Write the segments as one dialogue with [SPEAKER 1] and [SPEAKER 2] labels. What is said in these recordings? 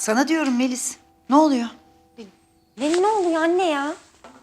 [SPEAKER 1] Sana diyorum Melis. Ne oluyor?
[SPEAKER 2] Ne oluyor anne ya?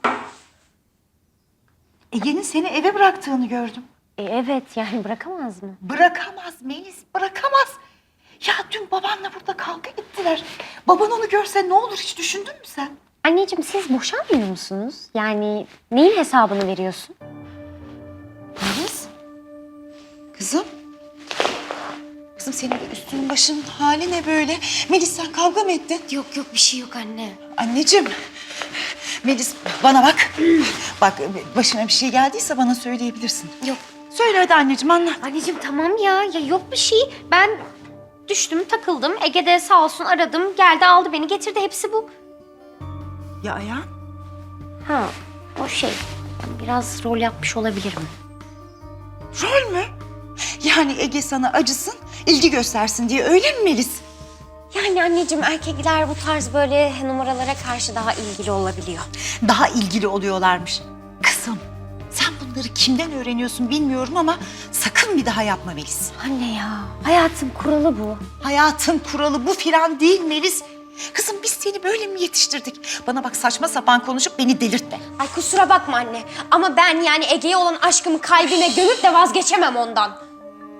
[SPEAKER 1] Ege'nin seni eve bıraktığını gördüm.
[SPEAKER 2] Evet yani bırakamaz mı?
[SPEAKER 1] Bırakamaz Melis, bırakamaz. Ya dün babanla burada kavga ettiler. Baban onu görse ne olur hiç düşündün mü sen?
[SPEAKER 2] Anneciğim siz boşanmıyor musunuz? Yani neyin hesabını veriyorsun?
[SPEAKER 1] Melis. Kızım. Kızım senin de üstünün başının hali ne böyle? Melis sen kavga mı ettin?
[SPEAKER 2] Yok bir şey yok anne.
[SPEAKER 1] Anneciğim. Melis bana bak. Bak başına bir şey geldiyse bana söyleyebilirsin.
[SPEAKER 2] Yok.
[SPEAKER 1] Söyle hadi anneciğim anlat.
[SPEAKER 2] Anneciğim tamam ya yok bir şey. Ben düştüm takıldım. Ege de sağ olsun aradım. Geldi aldı beni getirdi hepsi bu.
[SPEAKER 1] Ya ayağın?
[SPEAKER 2] Ha o şey. Ben biraz rol yapmış olabilirim.
[SPEAKER 1] Rol mü? Yani Ege sana acısın, ilgi göstersin diye öyle mi Melis?
[SPEAKER 2] Yani anneciğim erkekler bu tarz böyle numaralara karşı daha ilgili olabiliyor.
[SPEAKER 1] Daha ilgili oluyorlarmış. Kızım, sen bunları kimden öğreniyorsun bilmiyorum ama sakın bir daha yapma Melis.
[SPEAKER 2] Anne ya hayatın kuralı bu.
[SPEAKER 1] Hayatın kuralı bu filan değil Melis. Kızım biz seni böyle mi yetiştirdik? Bana bak saçma sapan konuşup beni delirtme.
[SPEAKER 2] Ay kusura bakma anne ama ben yani Ege'ye olan aşkımı kalbime gömüp de vazgeçemem ondan.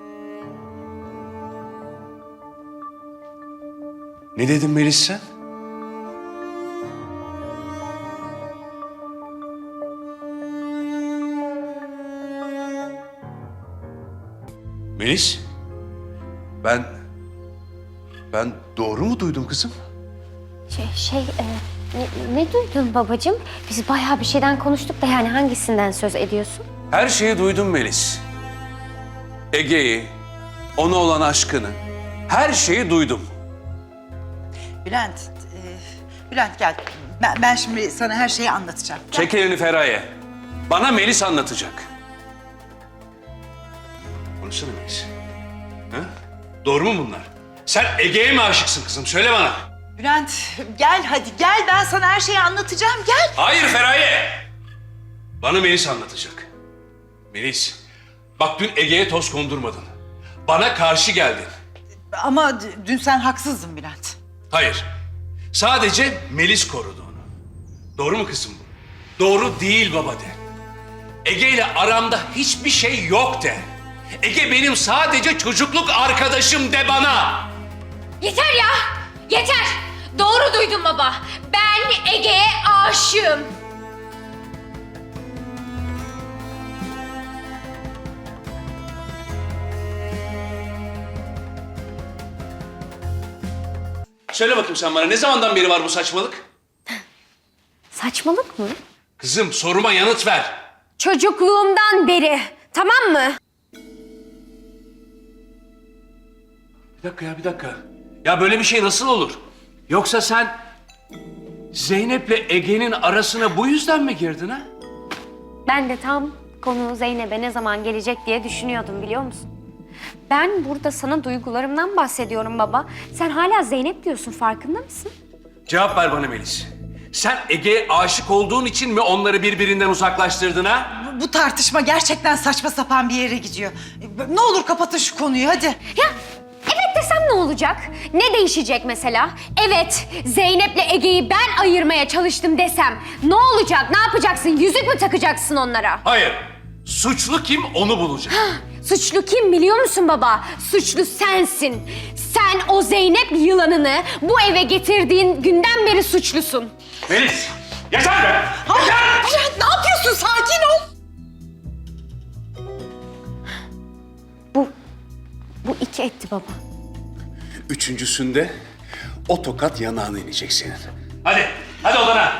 [SPEAKER 3] Ne dedin Melis sen? Melis? Ben doğru mu duydum kızım?
[SPEAKER 2] Ne duydun babacığım? Biz bayağı bir şeyden konuştuk da yani hangisinden söz ediyorsun?
[SPEAKER 3] Her şeyi duydum Melis. Ege'yi, ona olan aşkını, her şeyi duydum.
[SPEAKER 1] Bülent gel. Ben şimdi sana her şeyi anlatacağım. Gel.
[SPEAKER 3] Çek elini Feraye. Bana Melis anlatacak. Konuşsana Melis. Ha? Doğru mu bunlar? Sen Ege'ye mi aşıksın kızım? Söyle bana.
[SPEAKER 1] Bülent gel hadi gel ben sana her şeyi anlatacağım gel.
[SPEAKER 3] Hayır Feraye. Bana Melis anlatacak. Melis, bak dün Ege'ye toz kondurmadın. Bana karşı geldin.
[SPEAKER 1] Ama dün sen haksızdın Bülent.
[SPEAKER 3] Hayır. Sadece Melis korudu onu. Doğru mu kızım bu? Doğru değil baba de. Ege ile aramda hiçbir şey yok de. Ege benim sadece çocukluk arkadaşım de bana.
[SPEAKER 2] Yeter ya! Yeter! Doğru duydun baba. Ben Ege'ye aşığım.
[SPEAKER 3] Söyle bakayım sen bana ne zamandan beri var bu saçmalık?
[SPEAKER 2] Saçmalık mı?
[SPEAKER 3] Kızım soruma yanıt ver.
[SPEAKER 2] Çocukluğumdan beri. Tamam mı?
[SPEAKER 3] Bir dakika. Ya böyle bir şey nasıl olur? Yoksa sen Zeynep'le Ege'nin arasına bu yüzden mi girdin ha?
[SPEAKER 2] Ben de tam konu Zeynep'e ne zaman gelecek diye düşünüyordum biliyor musun? Ben burada sana duygularımdan bahsediyorum baba. Sen hala Zeynep diyorsun farkında mısın?
[SPEAKER 3] Cevap ver bana Melis. Sen Ege'ye aşık olduğun için mi onları birbirinden uzaklaştırdın ha?
[SPEAKER 1] Bu tartışma gerçekten saçma sapan bir yere gidiyor. Ne olur kapatın şu konuyu hadi.
[SPEAKER 2] Ya evet desem ne olacak? Ne değişecek mesela? Evet Zeynep'le Ege'yi ben ayırmaya çalıştım desem ne olacak? Ne yapacaksın? Yüzük mü takacaksın onlara?
[SPEAKER 3] Hayır. Suçlu kim onu bulacak.
[SPEAKER 2] Suçlu kim biliyor musun baba? Suçlu sensin. Sen o Zeynep yılanını bu eve getirdiğin günden beri suçlusun.
[SPEAKER 3] Melis! Yeter be! Yeter!
[SPEAKER 1] Bülent ne yapıyorsun sakin ol.
[SPEAKER 2] Bu iki etti baba.
[SPEAKER 3] Üçüncüsünde o tokat yanağına inecek senin. Hadi odana.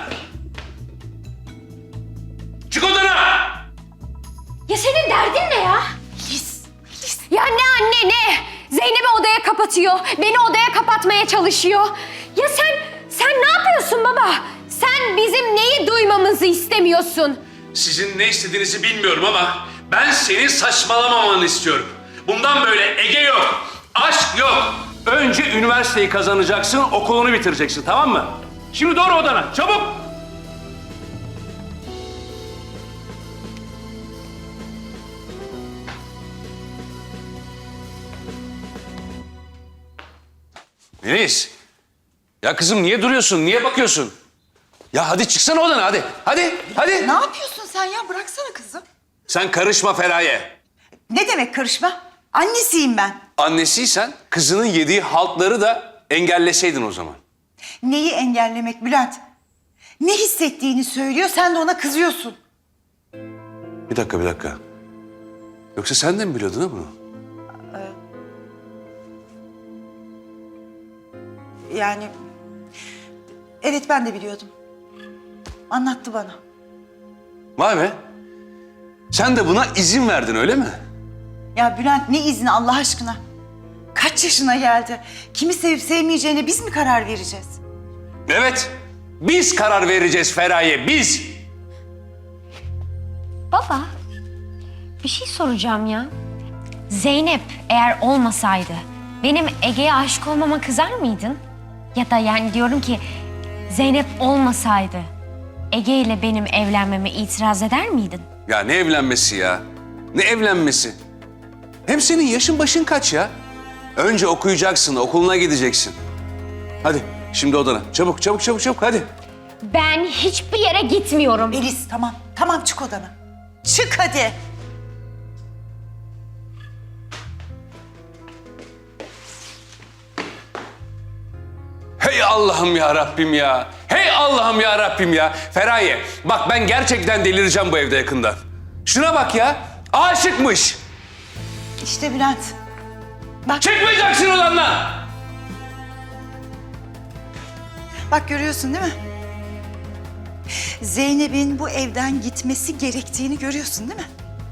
[SPEAKER 3] Çık odana!
[SPEAKER 2] Ya senin derdin ne ya?
[SPEAKER 1] Melis.
[SPEAKER 2] Ya ne anne ne? Zeynep'i odaya kapatıyor. Beni odaya kapatmaya çalışıyor. Ya sen ne yapıyorsun baba? Sen bizim neyi duymamızı istemiyorsun?
[SPEAKER 3] Sizin ne istediğinizi bilmiyorum ama ben senin saçmalamamanı istiyorum. Bundan böyle Ege yok, aşk yok. Önce üniversiteyi kazanacaksın, okulunu bitireceksin, tamam mı? Şimdi doğru odana, çabuk! Melis, Ya kızım niye duruyorsun? Niye bakıyorsun? Ya hadi çıksana odana hadi. Hadi.
[SPEAKER 1] Ne yapıyorsun sen ya? Bıraksana kızım.
[SPEAKER 3] Sen karışma Feraye.
[SPEAKER 1] Ne demek karışma? Annesiyim ben.
[SPEAKER 3] Annesiysen kızının yediği haltları da engelleseydin o zaman.
[SPEAKER 1] Neyi engellemek Bülent? Ne hissettiğini söylüyor, sen de ona kızıyorsun.
[SPEAKER 3] Bir dakika. Yoksa sen de mi biliyordun ha bunu?
[SPEAKER 1] Yani... Evet, ben de biliyordum. Anlattı bana.
[SPEAKER 3] Vay be. Sen de buna izin verdin öyle mi?
[SPEAKER 1] Ya Bülent, ne izni Allah aşkına? Kaç yaşına geldi? Kimi sevip sevmeyeceğine biz mi karar vereceğiz?
[SPEAKER 3] Evet. Biz karar vereceğiz Feraye, biz.
[SPEAKER 2] Baba, bir şey soracağım ya. Zeynep eğer olmasaydı benim Ege'ye aşık olmama kızar mıydın? Ya da yani diyorum ki Zeynep olmasaydı Ege ile benim evlenmeme itiraz eder miydin?
[SPEAKER 3] Ya ne evlenmesi ya? Ne evlenmesi? Hem senin yaşın başın kaç ya? Önce okuyacaksın, okuluna gideceksin. Hadi şimdi odana. Çabuk hadi.
[SPEAKER 2] Ben hiçbir yere gitmiyorum.
[SPEAKER 1] Melis, tamam. Tamam, çık odana. Çık hadi.
[SPEAKER 3] Hey Allah'ım ya Rabbim ya. Hey Allah'ım ya Rabbim ya. Feraye bak ben gerçekten delireceğim bu evde yakında. Şuna bak ya. Aşıkmış.
[SPEAKER 1] İşte Bülent. Bak,
[SPEAKER 3] Çıkmayacaksın odandan.
[SPEAKER 1] bak görüyorsun değil mi? Zeynep'in bu evden gitmesi gerektiğini görüyorsun değil mi?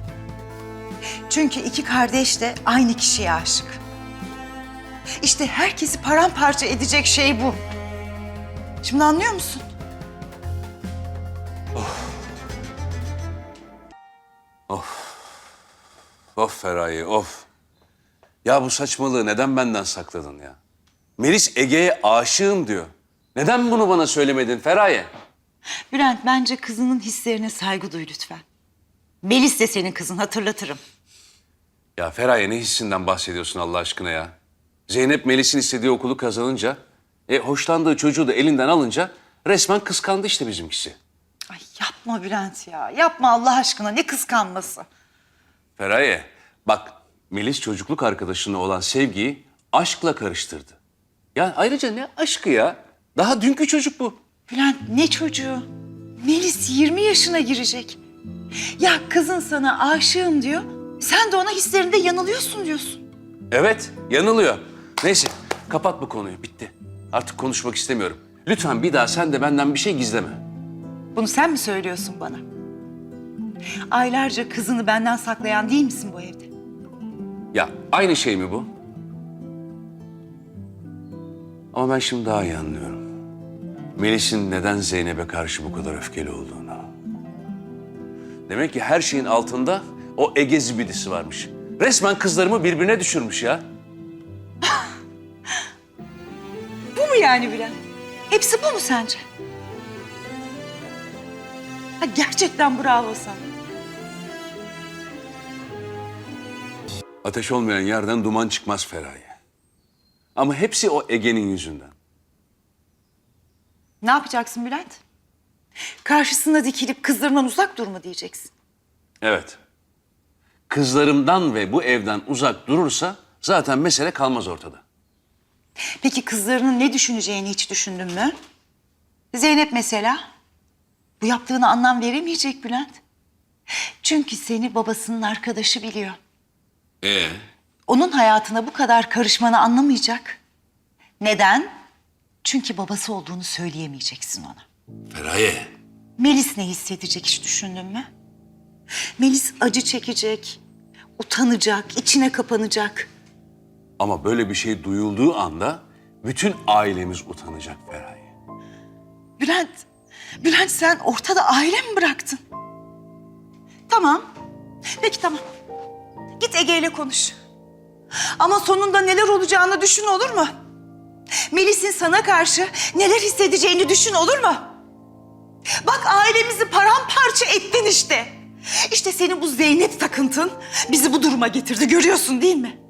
[SPEAKER 1] Çünkü iki kardeş de aynı kişiye aşık. İşte herkesi paramparça edecek şey bu. Şimdi anlıyor musun?
[SPEAKER 3] Of Feraye of. Ya bu saçmalığı neden benden sakladın ya? Melis Ege'ye aşığım diyor. Neden bunu bana söylemedin Feraye?
[SPEAKER 1] Bülent, bence kızının hislerine saygı duy lütfen. Melis de senin kızın, hatırlatırım.
[SPEAKER 3] Ya Feraye ne hissinden bahsediyorsun Allah aşkına ya? Zeynep Melis'in istediği okulu kazanınca, hoşlandığı çocuğu da elinden alınca resmen kıskandı işte bizimkisi.
[SPEAKER 1] Ay yapma Bülent ya, yapma Allah aşkına, ne kıskanması.
[SPEAKER 3] Feraye bak Melis çocukluk arkadaşına olan sevgiyi aşkla karıştırdı. Ya ayrıca ne aşkı ya? Daha dünkü çocuk bu.
[SPEAKER 1] Bülent, ne çocuğu? Melis 20 yaşına girecek. Ya kızın sana aşığım diyor, sen de ona hislerinde yanılıyorsun diyorsun.
[SPEAKER 3] Evet yanılıyor. Neyse kapat bu konuyu bitti. Artık konuşmak istemiyorum. Lütfen bir daha sen de benden bir şey gizleme.
[SPEAKER 1] Bunu sen mi söylüyorsun bana? Aylarca kızını benden saklayan değil misin bu evde?
[SPEAKER 3] Ya aynı şey mi bu? Ama ben şimdi daha iyi anlıyorum. Melis'in neden Zeynep'e karşı bu kadar öfkeli olduğunu. Demek ki her şeyin altında o Ege zibidisi varmış. Resmen kızlarımı birbirine düşürmüş ya.
[SPEAKER 1] Bu mu yani Bülent? Hepsi bu mu sence? Ha, gerçekten bravo sana.
[SPEAKER 3] Ateş olmayan yerden duman çıkmaz Feraye. Ama hepsi o Ege'nin yüzünden.
[SPEAKER 1] Ne yapacaksın Bülent? Karşısına dikilip kızlarından uzak dur mu diyeceksin?
[SPEAKER 3] Evet. Kızlarımdan ve bu evden uzak durursa zaten mesele kalmaz ortada.
[SPEAKER 1] Peki kızlarının ne düşüneceğini hiç düşündün mü? Zeynep mesela. Bu yaptığına anlam veremeyecek Bülent. Çünkü seni babasının arkadaşı biliyor. Onun hayatına bu kadar karışmanı anlamayacak. Neden? Çünkü babası olduğunu söyleyemeyeceksin ona.
[SPEAKER 3] Feraye.
[SPEAKER 1] Melis ne hissedecek hiç düşündün mü? Melis acı çekecek, utanacak, içine kapanacak.
[SPEAKER 3] Ama böyle bir şey duyulduğu anda bütün ailemiz utanacak Feraye.
[SPEAKER 1] Bülent sen ortada aile mi bıraktın? Tamam, peki tamam. Git Ege ile konuş. Ama sonunda neler olacağını düşün, olur mu? Melis'in sana karşı neler hissedeceğini düşün, olur mu? Bak ailemizi paramparça ettin işte. İşte senin bu Zeynep takıntın bizi bu duruma getirdi, görüyorsun değil mi?